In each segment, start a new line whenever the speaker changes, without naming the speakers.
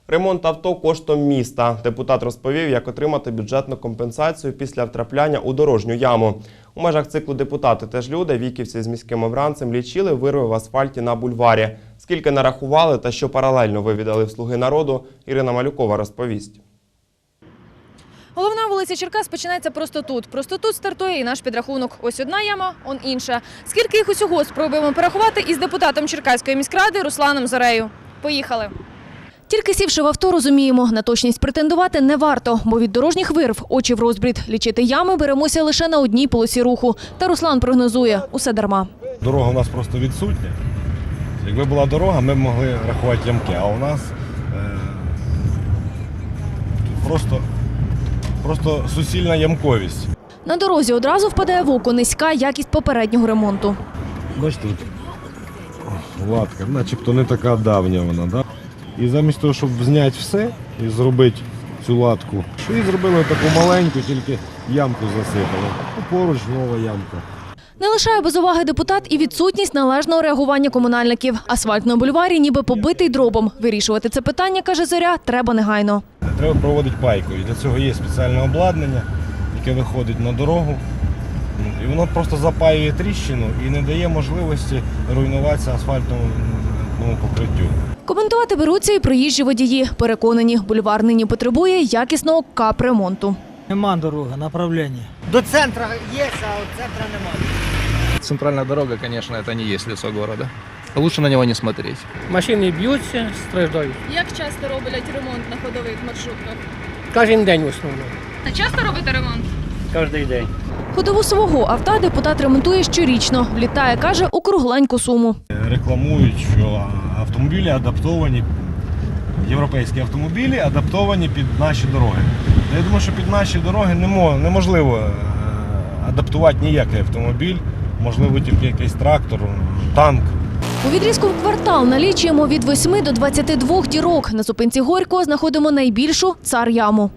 Ремонт авто коштом міста. Депутат розповів, як отримати бюджетну компенсацію після втрапляння у дорожню яму. У межах циклу «Депутати теж люди» віківці з міським обранцем лічили вирви в асфальті на бульварі. Скільки нарахували та що паралельно вивідали в «Слуги народу», Ірина Малюкова розповість.
Головна вулиця Черкас починається просто тут. Просто тут стартує і наш підрахунок. Ось одна яма, он інша. Скільки їх усього спробуємо порахувати із депутатом Черкаської міськради Русланом Зорею. Поїхали. Тільки сівши в авто, розуміємо, на точність претендувати не варто, бо від дорожніх вирв очі в розбрід. Лічити ями беремося лише на одній полосі руху. Та Руслан прогнозує – усе дарма.
Дорога у нас просто відсутня. Якби була дорога, ми б могли рахувати ямки, а у нас просто суцільна ямковість.
На дорозі одразу впадає в око низька якість попереднього ремонту.
Бачите, тут латка, начебто не така давня вона, да? І замість того, щоб зняти все і зробити цю латку, і зробили таку маленьку, тільки ямку засипали. Поруч нова ямка.
Не лишає без уваги депутат і відсутність належного реагування комунальників. Асфальт на бульварі ніби побитий дробом. Вирішувати це питання, каже Зоря, треба негайно.
Треба проводити пайку. І для цього є спеціальне обладнання, яке виходить на дорогу. І воно просто запаює тріщину і не дає можливості руйнуватися асфальтному покриттю.
Коментувати беруться і проїжджі водії. Переконані, бульвар нині потребує якісного капремонту.
Нема дороги, направлення. До центру є, а від центру немає.
Центральная дорога, конечно, это не есть лицо города. Лучше на него не смотреть.
Машини б'ються, страждають.
Як часто роблять ремонт на ходових маршрутках?
Кожен день в основному.
А часто робите ремонт?
Кожен день.
Ходову свого авто депутат ремонтує щорічно. Влітає, каже, у кругленьку суму.
Рекламують, що автомобілі адаптовані, європейські автомобілі адаптовані під наші дороги. Я думаю, що під наші дороги неможливо адаптувати ніякий автомобіль, можливо тільки якийсь трактор, танк.
У відрізку в квартал налічуємо від 8 до 22 дірок. На зупинці Горького знаходимо найбільшу – Цар-яму.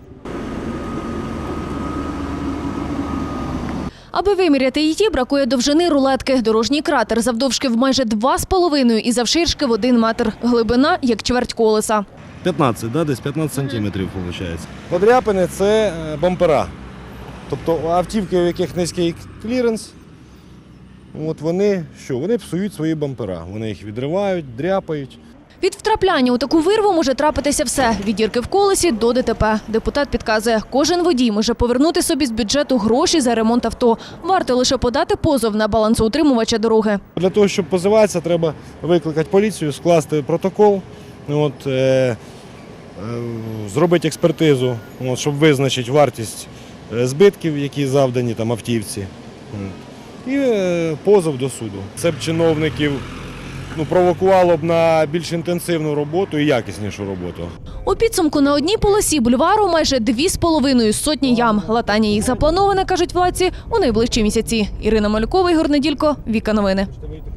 Аби виміряти її, бракує довжини рулетки. Дорожній кратер завдовжки в майже 2,5 і завширшки в 1 метр. Глибина – як чверть колеса.
15, да, десь 15 сантиметрів виходить. Подряпини – це бампера. Тобто автівки, у яких низький кліренс, вони псують свої бампера. Вони їх відривають, дряпають.
Від втрапляння у таку вирву може трапитися все – від дірки в колесі до ДТП. Депутат підказує, кожен водій може повернути собі з бюджету гроші за ремонт авто. Варто лише подати позов на балансоутримувача дороги.
Для того, щоб позиватися, треба викликати поліцію, скласти протокол, зробити експертизу, щоб визначити вартість збитків, які завдані автівці, і позов до суду. Це б чиновників провокувало б на більш інтенсивну роботу і якіснішу роботу.
У підсумку на одній полосі бульвару майже 2,5 сотні ям. Латання їх заплановане, кажуть владці, у найближчі місяці. Ірина Малюкова, Ігор Неділько, Віка Новини.